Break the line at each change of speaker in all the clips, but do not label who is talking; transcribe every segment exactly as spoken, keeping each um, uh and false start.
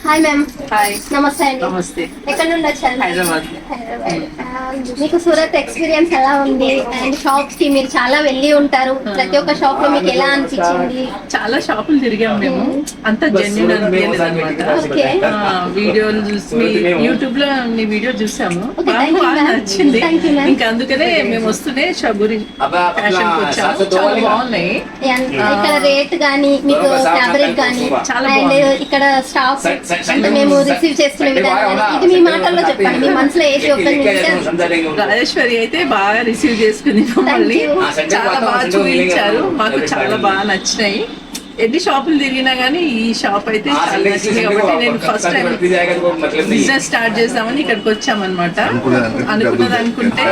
Hi ma'am.
Hi.
నమస్తే అండి.
నమస్తే.
ఎక్కడ నుండి వచ్చారు?
హైదరాబాద్.
హైదరాబాద్. మీకు సూరత్ ఎక్స్పీరియన్స్ ఎలా ఉంది? అండ్ షాప్స్ కి మీరు చాలా వెళ్ళి ఉంటారు, ప్రతి ఒక్క షాప్ లో మీకు ఎలా అనిపించింది?
చాలా షాపులు తిరిగాం మేము, అంత జెన్యున్ అనిపించలేదు అనమాట. వీడియోలు చూసి యూట్యూబ్ లో మీ వీడియో చూసాము, బాగా నచ్చింది. ఇంకా అందుకనే మేము వస్తూనే షబూరి ఫ్యాషన్ కి వచ్చాము. చాలా బాగున్నాయి
ఇక్కడ రేట్ గానీ, మీకు ఫ్యాబ్రిక్ గానీ,
చాలా
అండ్ ఇక్కడ స్టాఫ్ అంటే మేము రిసీవ్ చేసుకునే విధానం, ఇది మీ మాటల్లో చెప్పండి. మీ మనసులో ఏది ఓపెన్
రాజేశ్వరి అయితే బాగా రిసీవ్ చేసుకుంది మమ్మల్ని, చాలా బాగా చూపించారు, మాకు చాలా బాగా నచ్చినాయి. ఎన్ని షాపులు తిరిగినా గానీ ఈ షాప్ అయితే చాలా నచ్చింది. కాబట్టి నేను ఫస్ట్ టైం బిజినెస్ స్టార్ట్ చేద్దామని ఇక్కడికి వచ్చామన్నమాట. అనుకున్నది అనుకుంటే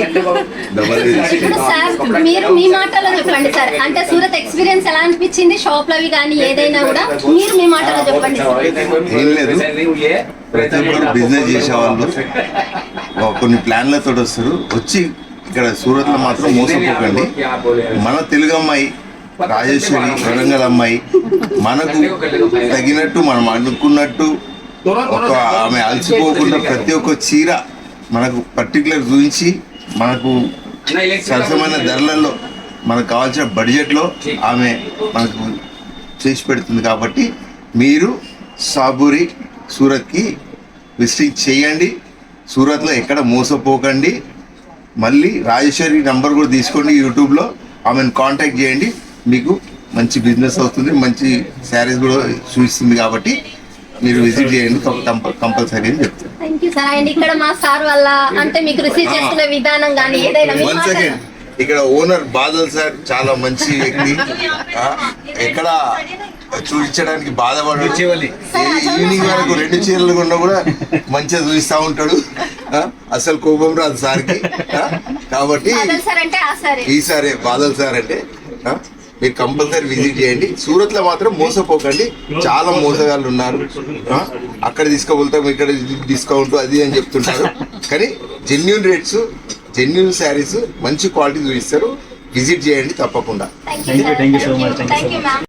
ఇప్పుడు సార్ మీరు మీ మాటలో చెప్పండి సార్. అంటే సూరత్ ఎక్స్పీరియన్స్ ఎలా అనిపించింది? షాప్ లవి కానీ ఏదైనా కూడా మీరు మీ మాటలో చెప్పండి.
ఏం లేదు, ప్రతి ఒక్కరు బిజినెస్ చేసే వాళ్ళు కొన్ని ప్లాన్లతో వస్తారు. వచ్చి ఇక్కడ సూరత్ లో మాత్రం మోసపోకండి. మన తెలుగు అమ్మాయి రాజేశ్వరి, వరంగల్ అమ్మాయి, మనకు తగినట్టు మనం అనుకున్నట్టు ఒక ఆమె అలసిపోకుండా ప్రతి ఒక్క చీర మనకు పర్టికులర్ చూపించి మనకు సరసమైన ధరలలో మనకు కావాల్సిన బడ్జెట్లో ఆమె మనకు చేసి పెడుతుంది. కాబట్టి మీరు సాబూరి సూరత్కి విజిటింగ్ చేయండి. సూరత్లో ఎక్కడ మోసపోకండి. మళ్ళీ రాజేశ్వరి నంబర్ కూడా తీసుకోండి, యూట్యూబ్లో ఆమెను కాంటాక్ట్ చేయండి. మీకు మంచి బిజినెస్ అవుతుంది, మంచి శారీస్ కూడా చూపిస్తుంది. కాబట్టి మీరు విజిట్ చేయండి కంపల్సరీ అని చెప్తాను.
Thank you sir. అండ్ ఇక్కడ మా సార్ వల్ల అంటే మీకు రిసీవ్ చేసుకునే విధానం కానీ ఏదైనా
వన్ సెకండ్, ఇక్కడ ఓనర్ బాదల్ సార్ చాలా మంచి వ్యక్తి. ఎక్కడ చూపించడానికి బాధపడు, ఈవినింగ్ వరకు రెండు చీరలు కొన్నా కూడా మంచిగా చూపిస్తా ఉంటాడు. అసలు కోపం రాదు సార్కి. కాబట్టి ఈసారి బాదల్ సార్ అంటే మీరు కంపల్సరీ విజిట్ చేయండి. సూరత్ లో మాత్రం మోసపోకండి, చాలా మోసగాళ్ళు ఉన్నారు. అక్కడ తీసుకోబోతాం, ఇక్కడ డిస్కౌంట్ అది అని చెప్తుంటారు. కానీ జెన్యున్ రేట్స్, జెన్యున్ శారీస్, మంచి క్వాలిటీ చూపిస్తారు. విజిట్ చేయండి తప్పకుండా.